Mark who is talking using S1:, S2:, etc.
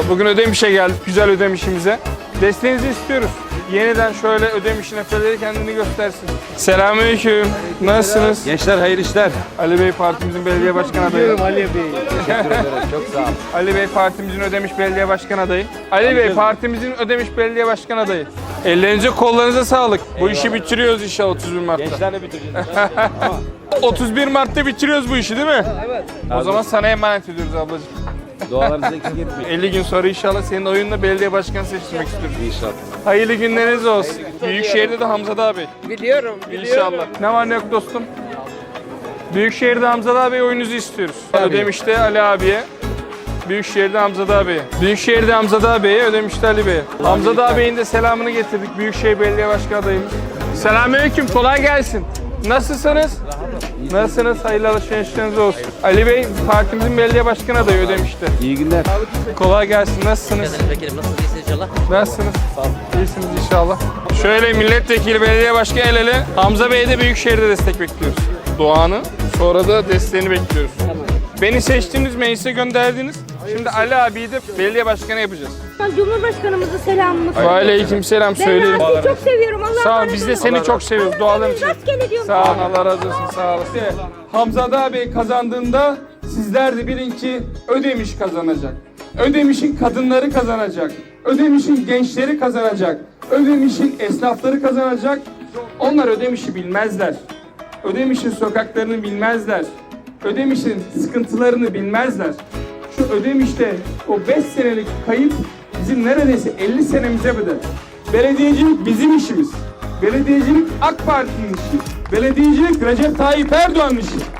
S1: Bugün Ödemiş'e geldik, güzel Ödemiş'imize. Desteğinizi istiyoruz. Yeniden şöyle Ödemiş'in efeleri kendini göstersin. Selamünaleyküm. Nasılsınız?
S2: Gençler hayırlı işler.
S1: Ali Bey partimizin belediye başkan adayı.
S2: Ali Bey. Teşekkür ederim. Çok sağ ol.
S1: Ali Bey partimizin Ödemiş belediye başkan adayı. Ali Bey partimizin Ödemiş belediye başkan adayı. Ellerinize kollarınıza sağlık. Bu işi bitiriyoruz inşallah 31 Mart'ta.
S2: Gençlerle bitireceğiz.
S1: 31 Mart'ta bitiriyoruz bu işi değil mi?
S2: Evet.
S1: O zaman sana emanet ediyoruz ablacığım.
S2: Dualarınızı eksik etmeyin.
S1: 50 gün sonra inşallah senin oyunla belediye başkanı seçtirmek istiyoruz.
S2: İnşallah.
S1: Hayırlı günleriniz olsun. Büyükşehir'de de Hamza abi.
S3: Biliyorum.
S1: İnşallah. Ne var ne yok dostum? Büyükşehir'de Hamza abi oyununuzu istiyoruz. Ödemiş'te Ali abiye. Büyükşehir'de Hamza abiye. Büyükşehir'de Hamza abiye, Ödemiş'te Ali Bey'e. Hamza ağabeyin de selamını getirdik. Büyükşehir Belediye Başkanı adayımız. Selamünaleyküm, kolay gelsin. Nasılsınız? Nasılsınız? Hayırlı alışverişleriniz olsun. Ali Bey, partimizin belediye başkanı adayı Ödemiş'te.
S2: İyi günler.
S1: Kolay gelsin. Nasılsınız?
S4: Vekilim nasılsınız? İyisiniz inşallah.
S1: Nasılsınız? İyisiniz inşallah. Şöyle milletvekili, belediye başkanı el ele. Hamza Bey'e de Büyükşehir'de destek bekliyoruz. Duanı, sonra da desteğini bekliyoruz. Beni seçtiniz, meclise gönderdiniz. Şimdi Ali abiyi de belediye başkanı yapacağız.
S5: Cumhurbaşkanımıza selamımı
S1: Ve aleykümselam
S5: Ben
S1: söyleyelim.
S5: Rasim'i çok seviyorum. Allah
S1: Sağ ol,
S5: razı
S1: biz de
S5: olsun.
S1: seni çok seviyoruz. Duaların için.
S5: Rastgele diyorum.
S1: Sağ olun, Allah razı olsun, sağ olasın. Hamza abi kazandığında sizler de bilin ki Ödemiş kazanacak. Ödemiş'in kadınları kazanacak. Ödemiş'in gençleri kazanacak. Ödemiş'in esnafları kazanacak. Onlar Ödemiş'i bilmezler. Ödemiş'in sokaklarını bilmezler. Ödemiş'in sıkıntılarını bilmezler. Şu Ödemiş'te o 5 senelik kayıp bizim neredeyse 50 senemize bedel. Belediyecilik bizim işimiz. Belediyecilik AK Parti'nin işi. Belediyecilik Recep Tayyip Erdoğan'ın işi.